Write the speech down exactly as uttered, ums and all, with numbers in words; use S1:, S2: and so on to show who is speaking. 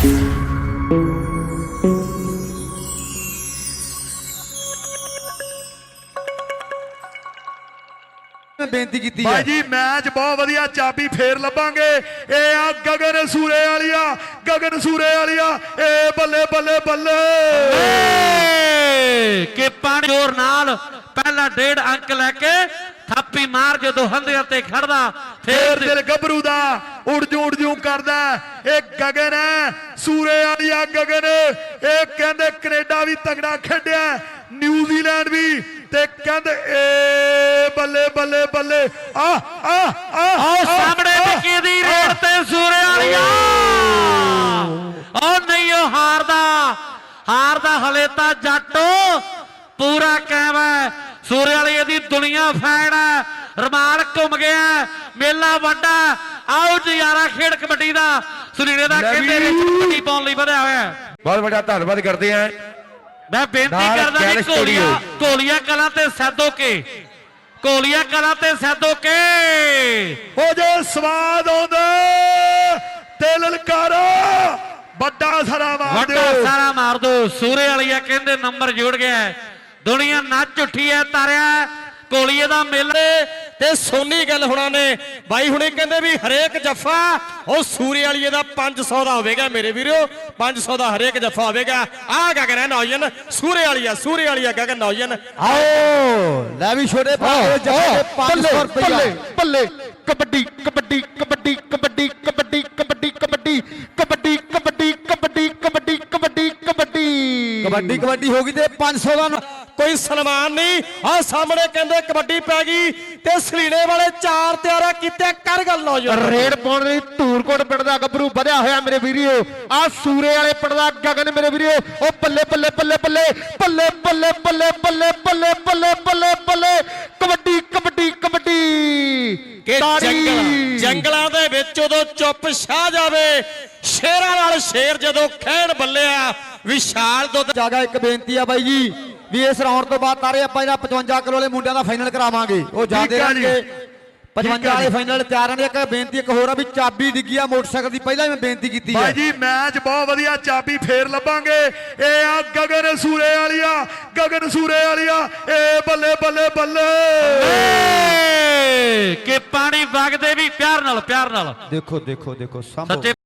S1: बेनती की
S2: भाई जी मैच बहुत वधिया चाबी फेर लभांगे ए आ गगन सूरे वालिया गगन सूरे वालिया ए बल्ले बल्ले बल्ले
S3: के पानी जोर नाल पहला डेढ़ अंक लैके थापी मार जो हंधे ते खड़दा
S2: फिर दिल गबरू दा उड़ जू उड़ जू करदा ए गगन है सूरे वालिया गगन ए कहंदे कनेडा भी तगड़ा खेडिया न्यूजीलैंड भी ते कहंदे ए बल्ले बल्ले बल्ले आ आ आ
S3: सामने विकी दी रेड ते सूरे वालिया ओ नहीं ओ हारदा हारदा हले ता जट्टो पूरा कायम है सूरे वाली दी दुनिया फैन है रमाल घूम गया मेला वड्डा आओ नजारा खेड कबड्डी दा सुनीले दा कहंदे विच कबड्डी पाउण लई वधिया होया
S2: बहुत बड़ा धन्यवाद करते हैं
S3: मैं बेनती करदा जी कोलिया कोलिया कला ते सैदो के कोलिया कला ते सैदो के
S2: हो जो स्वाद आउंदा ते ललकारा बड़ा सारा मार दो
S3: बड़ा सारा मार दो सूरे वालिया कहंदे नंबर जुड़ गया दुनिया नच उठी है तारिया कोलिए दा मेले
S4: ते सोनी गल हुणा ने बाई हुणे कहंदे भी हरेक जफा ओ सूरे वालिए दा पांच सौ दा होवेगा मेरे वीरो पांच सौ दा हरेक जफा होवेगा आ गगन है नौजन सूरे वालिया सूरे वालिया गगन नौजन
S1: आओ ले भी छोटे भाई जफे पाँच सौ रुपया
S2: बल्ले कबड्डी कबड्डी कबड्डी कबड्डी कबड्डी कबड्डी कबड्डी कबड्डी कबड्डी कबड्डी कबड्डी कबड्डी कबड्डी
S1: कबड्डी कबड्डी होगी ते पाँच सौ का
S4: कोई सलमान नहीं आ सामने कहंदे कबड्डी पै गई ते सलीने वाले चार त्यारा कीते कर गल नौजन
S2: रेड पाउण लई धूरकोट पिंड दा गबरू ਵਧਿਆ ਹੋਇਆ ਮੇਰੇ ਵੀਰੋ ਆ ਸੂਰੇ ਵਾਲੇ ਪਿੰਡ ਦਾ ਗਗਨ ਮੇਰੇ ਵੀਰੋ ਉਹ ਬੱਲੇ ਬੱਲੇ ਬੱਲੇ ਬੱਲੇ ਬੱਲੇ ਬੱਲੇ ਬੱਲੇ ਬੱਲੇ ਬੱਲੇ ਬੱਲੇ ਬੱਲੇ ਬੱਲੇ ਕਬੱਡੀ ਕਬੱਡੀ ਕਬੱਡੀ
S4: ਕਿ ਜੰਗਲ ਜੰਗਲਾਂ ਦੇ ਵਿੱਚ ਉਦੋਂ ਚੁੱਪ ਛਾ ਜਾਵੇ ਸ਼ੇਰਾਂ ਨਾਲ ਸ਼ੇਰ ਜਦੋਂ ਖੇਡ ਬੱਲਿਆ ਵਿਸ਼ਾਲ ਦੁੱਧ
S1: ਜਾਗਾ ਇੱਕ ਬੇਨਤੀ ਆ ਬਾਈ ਜੀ ਵੀ ਇਸ ਰਾਉਂਡ ਤੋਂ ਬਾਅਦ ਤਾਰੇ ਆਪਾਂ ਇਹਦਾ ਪਚਵੰਜਾ ਕਿਲੋ ਵਾਲੇ ਮੁੰਡਿਆਂ ਦਾ ਫਾਈਨਲ ਕਰਾਵਾਂਗੇ ਉਹ ਜਾਂਦੇ ਰਹਿਣਗੇ ਪਚਵੰਜਾ ਵਾਲੇ ਫਾਈਨਲ ਤਿਆਰ ਨੇ ਇੱਕ ਬੇਨਤੀ ਇੱਕ ਹੋਰ ਆ ਵੀ ਚਾਬੀ ਡਿੱਗੀ ਆ ਮੋਟਰਸਾਈਕਲ ਦੀ ਪਹਿਲਾਂ ਮੈਂ ਬੇਨਤੀ ਕੀਤੀ ਹੈ
S2: ਭਾਈ ਜੀ ਮੈਚ ਬਹੁਤ ਵਧੀਆ ਚਾਬੀ ਫੇਰ ਲੱਭਾਂਗੇ ਇਹ ਆ ਗਗਨ ਸੂਰੇ ਵਾਲੀਆ ਗਗਨ ਸੂਰੇ ਵਾਲੀਆ ਏ ਬੱਲੇ ਬੱਲੇ ਬੱਲੇ
S3: ਕਿ ਪਾਣੀ ਵਗਦੇ ਵੀ ਪਿਆਰ ਨਾਲ ਪਿਆਰ ਨਾਲ
S1: ਦੇਖੋ ਦੇਖੋ ਦੇਖੋ ਸਾਹਮਣੇ